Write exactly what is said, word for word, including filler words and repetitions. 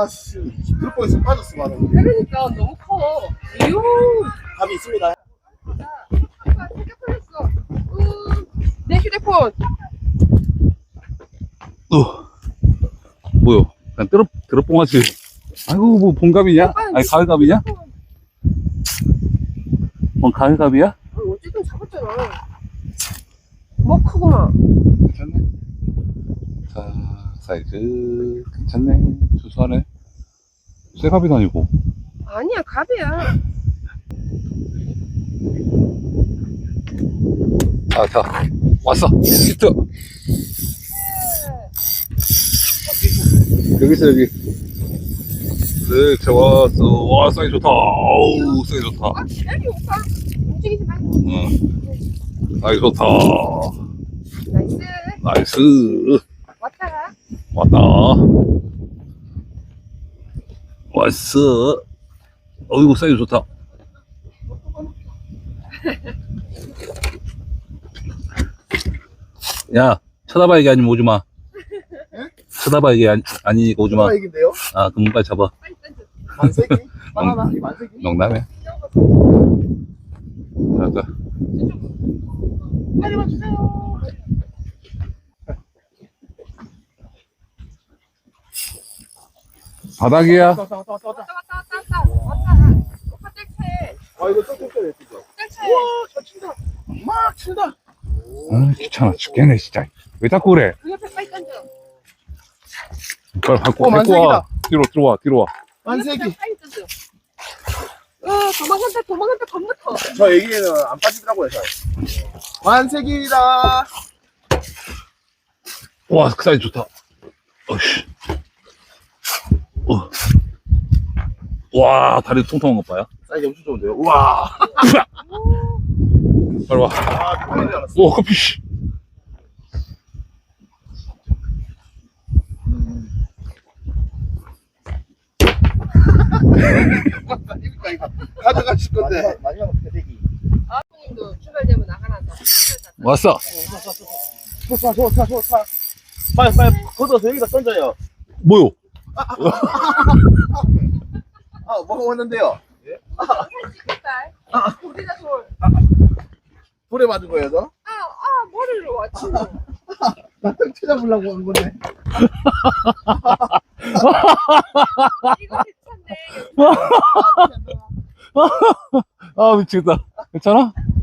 씨, 들을 뻔해서 빠졌어, 바로. 그러니까 너무 커. 이요. 답이 있습니다. 아빠 태교 걸렸어. 음, 내 휴대폰. 어. 뭐요? 그냥 뜨럽, 드럽봉하지. 아이고, 뭐, 봉갑이냐? 아니, 가을갑이냐? 뭔 가을갑이야? 아, 어쨌든 잡았잖아. 뭐 크구만. 괜찮네. 자, 사이즈, 괜찮네. 수수하네. 쇠갑이도 아니고. 아니야, 갑이야. 자, 자, 왔어. 히트. 여기 있어, 여기. 네, 좋았어. 와, 사이즈 좋다. 어우, 사이즈 좋다. 아, 기다려, 오빠. 움직이지 말고. 응. 사이즈 좋다. 나이스. 나이스. 왔다가. 왔다. 왔어. 어이구, 사이즈 좋다. 야, 쳐다봐, 이게 아니면 오지 마. 쳐다봐, 이게 아니, 아니니까 오지 마. 얘긴데요? 아, 그럼 빨리 잡아. 빨리 던져. 만세기? 영, 만세기? 만세기? 농담해. 자, 자. 빨리 와주세요. 바닥이야. 왔다, 왔다, 왔다, 왔다. 왔다, 왔다, 왔다, 왔다. 왔다. 오빠 뗄채. 아, 이거 조금 전에 했죠. 뗄채. 우와, 잘 친다. 막 친다. 아, 귀찮아 죽겠네, 진짜. 왜 자꾸 그래? 그 옆에 빨리 던져. 빨리 갖고, 어, 갖고 와. 만세기다. 뒤로, 들어와, 뒤로 와. 그 옆에 만세기. 빨리 던져. 어, 도망간다, 도망간다, 겁나 커. 저 얘기는 안 빠지더라고요, 잘. 만세기다. 와, 그 사이즈 좋다. 어이씨. 어. 와, 다리 통통한 것 봐요. 사이즈 엄청 좋은데요? 우와. 빨리 와. 아, 큰일 났어. 오, 커피, 씨. 아닙니까, 이거. 가져가실 건데. 마지막 대대기. 아, 형님도 출발되면 나가란다. 왔어. 좋다, 좋다, 좋다. 빨리, 빨리, 걷어서 여기다 던져요. 뭐요? 아, 뭐가 왔는데요? 아, 우리가 돌. 돌에 맞은 거예요, 저? 아, 아, 머리를 왔지. 나딱 찾아보려고 한 건데. 이거 괜찮네. 아, 미치겠다. 괜찮아?